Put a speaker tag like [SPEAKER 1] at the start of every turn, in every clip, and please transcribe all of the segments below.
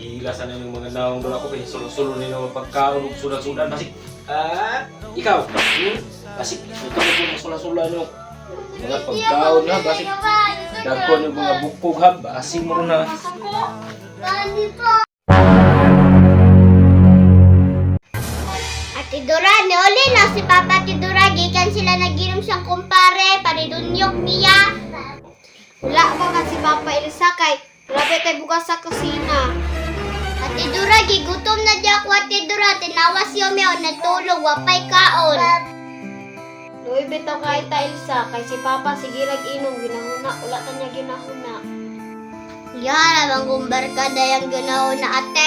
[SPEAKER 1] Kagilasan na yung mga naong doon ako kaya sulo-sulo nila mga pagkaon ug sudan-sudan basik. Ikaw. Basik ito na yung sula-sula nyo. Mga pagkaon na basik. Dagkon yung mga bukog ha. Basing mo na.
[SPEAKER 2] Ate Dora, niuli na si Papa Ate Dora. Gikan sila naginom siyang kumpare. Panidunyok niya.
[SPEAKER 3] Wala ba ka si Papa Elsa kay grabe kay bukas sa kusina.
[SPEAKER 2] Ate Dora, gigutom na di ako Ate Dora. Tinawas yung may natulog. Wapay kaon.
[SPEAKER 3] Luoy bitaw kay ta Elsa kay si Papa sige inom ginahuna wala ta niya ginahuna.
[SPEAKER 2] Yan, abang kumbarka dayang ganaw na ate.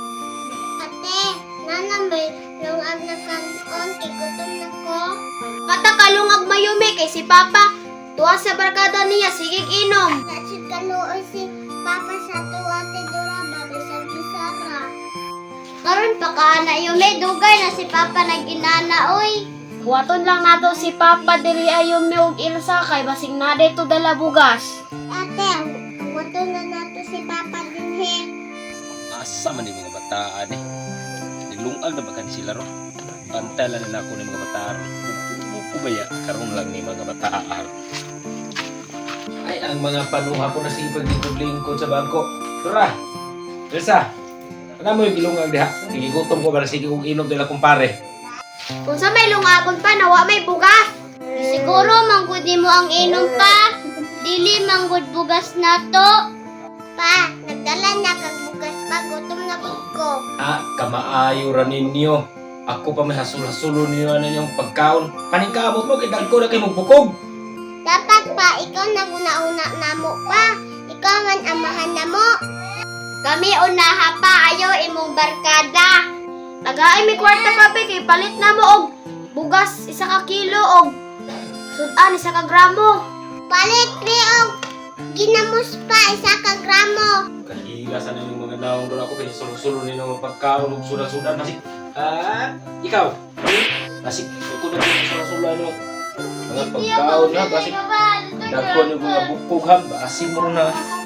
[SPEAKER 2] Ate, nanambay, lungag na kanon, igutom na ko.
[SPEAKER 3] Kata kalungag mayumi kay si Papa tuwa sa barkada niya sige inom.
[SPEAKER 2] Nasid kaluoy si Papa sa tuwa, Ate Dora, bagay sa bisara. Karon pa ka na yung may dugay na si Papa nag-inana, oy.
[SPEAKER 3] Buhaton lang nato si Papa diri ayo mi og Elsa kay basing na dito dala bugas.
[SPEAKER 2] Ate, wato na nato si Papa din he.
[SPEAKER 1] Asa man yung mga bataan eh. Nilungag na ba ka sila ro? Pantalan na ako ng mga bataan. Ubaya, karoon lang ni mga bataan. Ay, ang mga panuha ko na sige paglingkod-lingkod sa bangko. Dora! Elsa! Ano mo yung gilungag diha? Gigutom ko para sige kong inom nila kumpare.
[SPEAKER 3] Kung sa may lungagon pa nawa may bugas.
[SPEAKER 2] Siguro manggod mo ang inom pa. Dili manggod bugas na to. Pa, nagdala na kag bugas pa, gutom na gud ko.
[SPEAKER 1] Kamaayo ra ninyo. Ako pa may hasul-hasulo ninyo na yung pagkaon. Paningkamot mo, kidag ko na kayo magbukog.
[SPEAKER 2] Dapat pa, ikaw naguna-una na mo pa. Ikaw man amahan na mo. Kami unaha pa, ayaw imong barkada.
[SPEAKER 3] Tagaay mi kwarta papi kay palit na mo og bugas 1 kilo og sudan 1 gramo.
[SPEAKER 2] Palit mi og ginamos pa 1 ka gramo.
[SPEAKER 1] Kagilasan na yung mga naong doon ako kaya sulo-sulo nila mga pagkaon ug sudan-sudan. Basik, ikaw. Basik, ito na yung sulan-sulan nyo. Mga pagkaon na, basik. Dagkon yung mga bukog ha. Basing mo na.